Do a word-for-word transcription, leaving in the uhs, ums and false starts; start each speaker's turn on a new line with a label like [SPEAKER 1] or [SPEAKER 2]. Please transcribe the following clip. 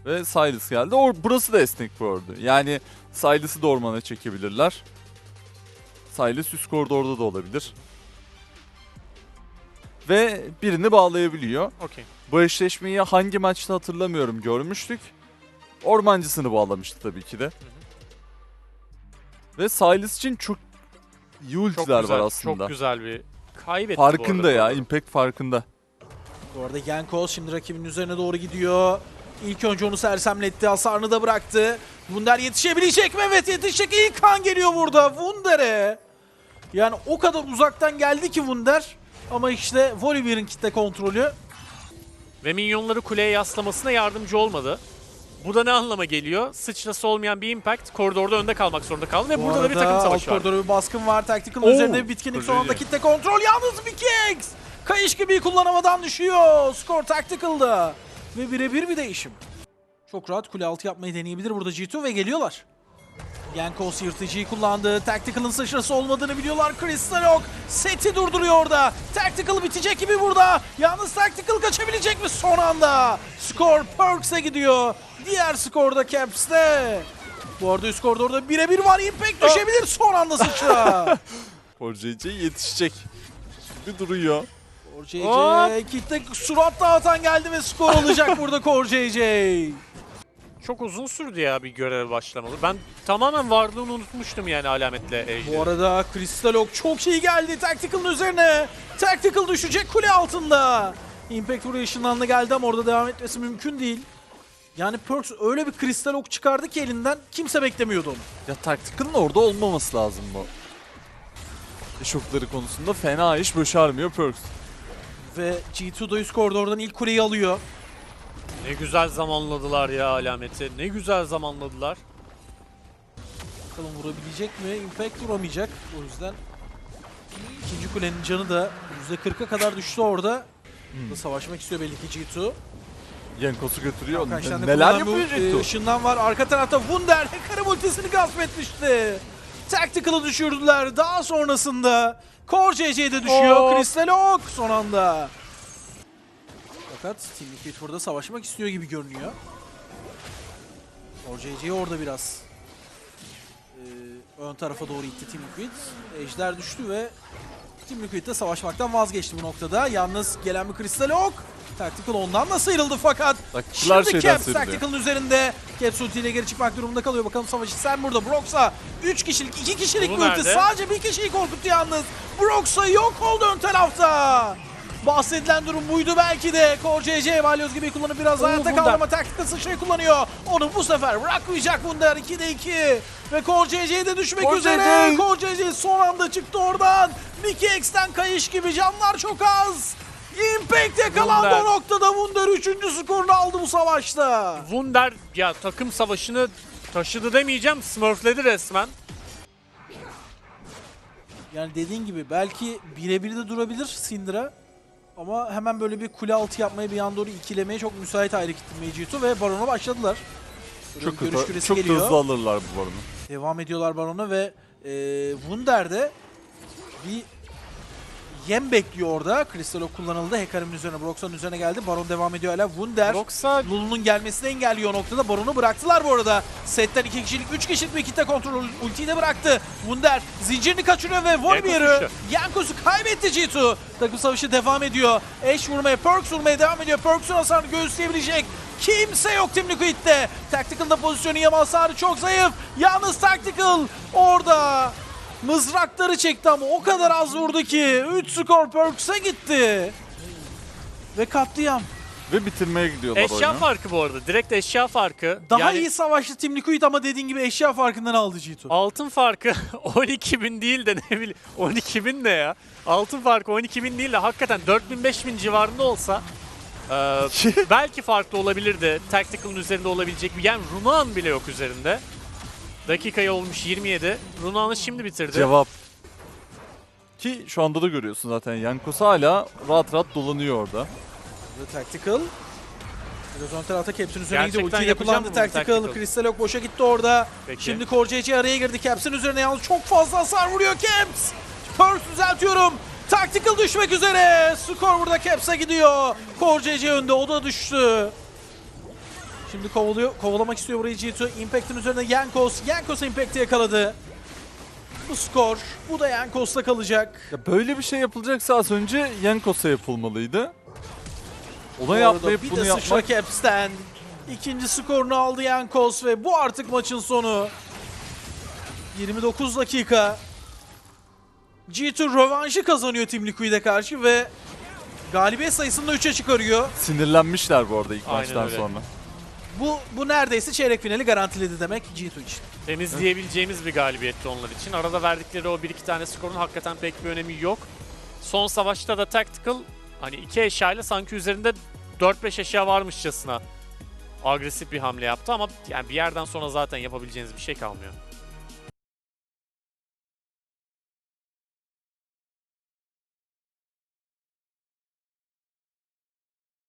[SPEAKER 1] Ve Sylas geldi. Or burası da esnek bu arada. Yani Sylas'ı da ormana çekebilirler. Sylas üst koridorda da olabilir. Ve birini bağlayabiliyor.
[SPEAKER 2] Okey.
[SPEAKER 1] Bu eşleşmeyi hangi maçta hatırlamıyorum, görmüştük. Ormancısını bağlamıştı tabii ki de. Hı hı. Ve Sylas için çok iyi ultiler var aslında.
[SPEAKER 2] Çok güzel bir kaybetti
[SPEAKER 1] farkında
[SPEAKER 2] bu arada.
[SPEAKER 1] ya, impact farkında.
[SPEAKER 3] Bu arada Jankos şimdi rakibinin üzerine doğru gidiyor. İlk önce onu sersemletti, hasarını da bıraktı. Wunder yetişebilecek mi? Evet yetişecek. İlk kan geliyor burada Wunder'e. Yani o kadar uzaktan geldi ki Wunder. Ama işte Volibear'ın kitle kontrolü.
[SPEAKER 2] Ve minyonları kuleye yaslamasına yardımcı olmadı. Bu da ne anlama geliyor? Sıçrası olmayan bir impact koridorda önde kalmak zorunda kaldı ve
[SPEAKER 3] Bu
[SPEAKER 2] burada da bir takım
[SPEAKER 3] arada
[SPEAKER 2] savaşı
[SPEAKER 3] alt
[SPEAKER 2] var.
[SPEAKER 3] koridora bir baskın var. Tactical'ın
[SPEAKER 1] Oo,
[SPEAKER 3] üzerinde bir bitkinlik, son anda kitle kontrol. Yalnız bir Kings. Kayış gibi kullanamadan düşüyor. Skor Tactical'da. Ve birebir bir değişim. Çok rahat kule altı yapmayı deneyebilir burada G iki ve geliyorlar. Jankos yırtıcıyı kullandı. Tactical'ın sıçrası olmadığını biliyorlar. Crystal Oak seti durduruyor orada. Tactical bitecek gibi burada. Yalnız Tactical kaçabilecek mi son anda? Skor Perks'e gidiyor. Diğer skorda Caps'te. Bu arada üst koridorda birebir var. Impact düşebilir son anda sıçra.
[SPEAKER 1] Core J J yetişecek. Şimdi duruyor.
[SPEAKER 3] Core J J kitle surat dağıtan geldi ve skor olacak burada Core J J.
[SPEAKER 2] Çok uzun sürdü ya bir görev başlamalı. Ben tamamen varlığını unutmuştum yani alametle Ejder'i.
[SPEAKER 3] Bu arada Crystal Oak çok iyi geldi Tactical'ın üzerine. Tactical düşecek kule altında. Impact buraya ışınlandı geldi ama orada devam etmesi mümkün değil. Yani Perks öyle bir Crystal Oak çıkardı ki elinden kimse beklemiyordu onu.
[SPEAKER 1] Ya Tactical'ın orada olmaması lazım bu. Şokları konusunda fena iş başarmıyor Perks.
[SPEAKER 3] Ve G iki da üst koridordan ilk kuleyi alıyor.
[SPEAKER 2] Ne güzel zamanladılar ya alameti. Ne güzel zamanladılar.
[SPEAKER 3] Bakalım vurabilecek mi? Impact vuramayacak. O yüzden ikinci kulenin canı da yüzde kırka kadar düştü orada.
[SPEAKER 1] Hmm.
[SPEAKER 3] Burada savaşmak istiyor belli ki G iki.
[SPEAKER 1] Jankos'u götürüyor.
[SPEAKER 3] Kaç tane
[SPEAKER 1] Neler
[SPEAKER 3] kullanan
[SPEAKER 1] yapıyor
[SPEAKER 3] bu,
[SPEAKER 1] G
[SPEAKER 3] e,
[SPEAKER 1] iki?
[SPEAKER 3] ışından var. Arka tarafta Wunder Hacker'ın ultisini gasp etmişti. Tactical'ı düşürdüler. Daha sonrasında Core J J'de düşüyor.
[SPEAKER 2] Oh.
[SPEAKER 3] Crystal Oak son anda. Fakat Team Liquid burada savaşmak istiyor gibi görünüyor. Core J J orada biraz e, ön tarafa doğru itti Team Liquid. Ejder düştü ve Team Liquid de savaşmaktan vazgeçti bu noktada. Yalnız gelen bir Crystal Oak. Tactical ondan da sıyrıldı fakat
[SPEAKER 1] Taktikçiler
[SPEAKER 3] şimdi
[SPEAKER 1] şeyden
[SPEAKER 3] Caps
[SPEAKER 1] sıyrılıyor.
[SPEAKER 3] Tactical'ın üzerinde. Caps ultiyle geri çıkmak durumunda kalıyor. Bakalım savaşı sen burada. Brox'a üç kişilik, iki kişilik
[SPEAKER 2] Bu
[SPEAKER 3] bir ulti.
[SPEAKER 2] nerede?
[SPEAKER 3] Sadece bir kişiyi korkuttu yalnız. Brox'a yok oldu ön tarafta. Bahsedilen durum buydu belki de. Core J J balyoz gibi kullanıp biraz
[SPEAKER 2] Oo,
[SPEAKER 3] hayatta kaldı
[SPEAKER 2] Wunder.
[SPEAKER 3] ama Tactical sıçrayı kullanıyor. Onu bu sefer bırakmayacak Wunder. ikide iki. Ve Core J J de düşmek
[SPEAKER 1] Core
[SPEAKER 3] üzere.
[SPEAKER 1] J J.
[SPEAKER 3] Core J J son anda çıktı oradan. Mickey X'ten kayış gibi, canlar çok az. Impact yakalandı
[SPEAKER 2] Wunder.
[SPEAKER 3] o noktada. Wunder üçüncü skorunu aldı bu savaşta.
[SPEAKER 2] Wunder ya takım savaşını taşıdı demeyeceğim. Smurfledi resmen.
[SPEAKER 3] Yani dediğin gibi belki birebir de durabilir Syndra. Ama hemen böyle bir kule altı yapmaya, bir yan doğru ikilemeye çok müsait ayrı kitle G iki ve Baron'a başladılar. Böyle
[SPEAKER 1] Çok,
[SPEAKER 3] bir görüş
[SPEAKER 1] hızlı,
[SPEAKER 3] küresi
[SPEAKER 1] çok
[SPEAKER 3] geliyor.
[SPEAKER 1] hızlı alırlar bu baronu.
[SPEAKER 3] Devam ediyorlar Baron'a ve e, Wunder de bir yem bekliyor orada. Crystal Oak kullanıldı. Hecarim'in üzerine, Brox'un üzerine geldi. Baron devam ediyor hala. Wunder
[SPEAKER 2] Yoksa
[SPEAKER 3] Lulu'nun gelmesini engelliyor o noktada. Baron'u bıraktılar bu arada. Setten iki kişilik, üç kişilik bir kitle kontrol ultiyi de bıraktı. Wunder zincirini kaçırıyor ve Volibear'ı, Jankos'u kaybetti G iki. Takım savaşı devam ediyor. Ashe vurmaya, Perks vurmaya devam ediyor. Perks'un hasarını göğüsleyebilecek kimse yok Team Liquid'de. Tactical'da pozisyonu yama hasarı çok zayıf. Yalnız Tactical orada mızrakları çekti ama o kadar az vurdu ki üç skor Perks'e gitti. Ve katliam.
[SPEAKER 1] Ve bitirmeye gidiyorlar
[SPEAKER 2] eşya
[SPEAKER 1] oyunu.
[SPEAKER 2] farkı bu arada. Direkt eşya farkı.
[SPEAKER 3] Daha
[SPEAKER 2] Yani
[SPEAKER 3] iyi savaştı Team Liquid ama dediğin gibi eşya farkından aldı G iki.
[SPEAKER 2] altın farkı on iki bin değil de ne bileyim on iki bin ne ya? Altın farkı on iki bin değil de hakikaten dört bin beş bin civarında olsa e, belki farklı olabilirdi. Tactical'ın üzerinde olabilecek bir. Yani Runaan bile yok üzerinde. Dakikayı olmuş yirmi yedi. Runaan'ı şimdi bitirdi.
[SPEAKER 1] Cevap. Ki şu anda da görüyorsun zaten. Jankos hala rahat rahat dolanıyor orada.
[SPEAKER 3] Ve Tactical biraz ön tarafta Caps'in üzerine gidiyor.
[SPEAKER 2] Gerçekten
[SPEAKER 3] Ultiyi de
[SPEAKER 2] yapacağım
[SPEAKER 3] kullandı
[SPEAKER 2] bunu
[SPEAKER 3] Tactical.
[SPEAKER 2] Tactical.
[SPEAKER 3] Crystal Oak boşa gitti orada.
[SPEAKER 2] Peki.
[SPEAKER 3] Şimdi Core J J araya girdi. Caps'in üzerine yalnız çok fazla hasar vuruyor Caps. Perks düzeltiyorum. Tactical düşmek üzere. Skor burada Caps'e gidiyor. Core J J önde, o da düştü. Şimdi kovalıyor, kovalamak istiyor burayı G iki. Impact'in üzerine Jankos. Jankos Impact'i yakaladı. Bu skor. Bu da Jankos'ta kalacak.
[SPEAKER 1] Ya böyle bir şey yapılacaksa az önce Jankos'a yapılmalıydı.
[SPEAKER 3] Bu
[SPEAKER 1] Ona
[SPEAKER 3] arada
[SPEAKER 1] yapmayıp
[SPEAKER 3] bir
[SPEAKER 1] bunu
[SPEAKER 3] de
[SPEAKER 1] yapmak...
[SPEAKER 3] sıçra Caps'ten. İkinci skorunu aldı Jankos ve bu artık maçın sonu. yirmi dokuz dakika. G iki rövanşı kazanıyor Team Liquid'e karşı ve galibiyet sayısını da üçe çıkarıyor.
[SPEAKER 1] Sinirlenmişler bu arada ilk
[SPEAKER 2] Aynen
[SPEAKER 1] maçtan
[SPEAKER 2] öyle.
[SPEAKER 1] sonra.
[SPEAKER 3] Bu bu neredeyse çeyrek finali garantiledi demek G iki için.
[SPEAKER 2] Temizleyebileceğimiz bir galibiyetti onlar için. Arada verdikleri o bir iki tane skorun hakikaten pek bir önemi yok. Son savaşta da Tactical hani iki eşyayla sanki üzerinde dört beş eşya varmışçasına agresif bir hamle yaptı ama yani bir yerden sonra zaten yapabileceğiniz bir şey kalmıyor.